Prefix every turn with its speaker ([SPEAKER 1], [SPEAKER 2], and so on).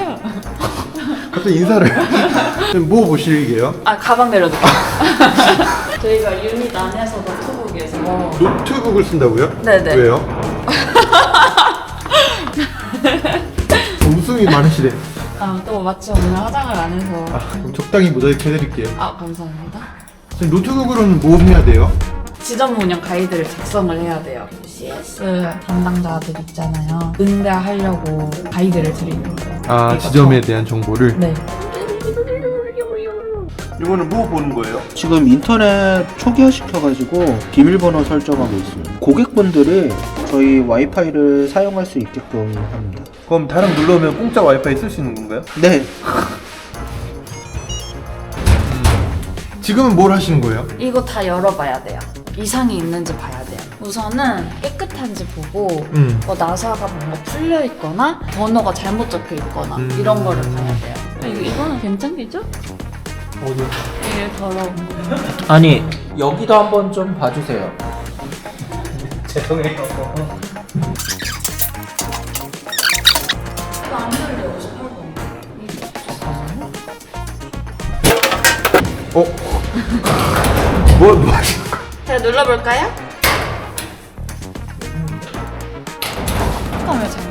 [SPEAKER 1] 안녕하세요.
[SPEAKER 2] 갑자기 인사를. 지금 뭐 보시게요?
[SPEAKER 1] 아, 가방 내려둘게요. 저희가 유닛 안에서 노트북에서
[SPEAKER 2] 노트북을 쓴다고요?
[SPEAKER 1] 네네.
[SPEAKER 2] 왜요? 웃음이 많으시네.
[SPEAKER 1] 아, 또 마치 오늘 화장을 안 해서.
[SPEAKER 2] 그럼 적당히 모자이크 해드릴게요.
[SPEAKER 1] 아, 감사합니다.
[SPEAKER 2] 지금 노트북으로는 뭐 해야 돼요?
[SPEAKER 1] 지점 운영 가이드를 작성을 해야 돼요. CS 담당자들 있잖아요. 응대하려고 가이드를 드리는 거예요.
[SPEAKER 2] 아,
[SPEAKER 1] 이거
[SPEAKER 2] 지점에 대한 정보를?
[SPEAKER 1] 네.
[SPEAKER 2] 이거는 뭐 보는 거예요?
[SPEAKER 3] 지금 인터넷 초기화시켜가지고 비밀번호 설정하고 있어요. 고객분들이 저희 와이파이를 사용할 수 있게끔 합니다.
[SPEAKER 2] 그럼 다른 눌러오면 공짜 와이파이 쓸 수 있는 건가요?
[SPEAKER 3] 네,
[SPEAKER 2] 지금은 뭘 하시는 거예요?
[SPEAKER 1] 이거 다 열어봐야 돼요. 이상이 있는지 봐야 돼요. 우선은 깨끗한지 보고 뭐 나사가 뭔가 풀려 있거나 번호가 잘못 적혀 있거나 이런 거를 봐야 돼요. 이거는 괜찮겠죠?
[SPEAKER 2] 어디?
[SPEAKER 1] 이게 더러운 거.
[SPEAKER 3] 아니 여기도 한번 좀 봐주세요.
[SPEAKER 2] 죄송해요.
[SPEAKER 1] 이거 안 열려. 18번.
[SPEAKER 2] 뭐 하시는 거예요?
[SPEAKER 1] 제가 눌러볼까요? 잠깐 왜 잠깐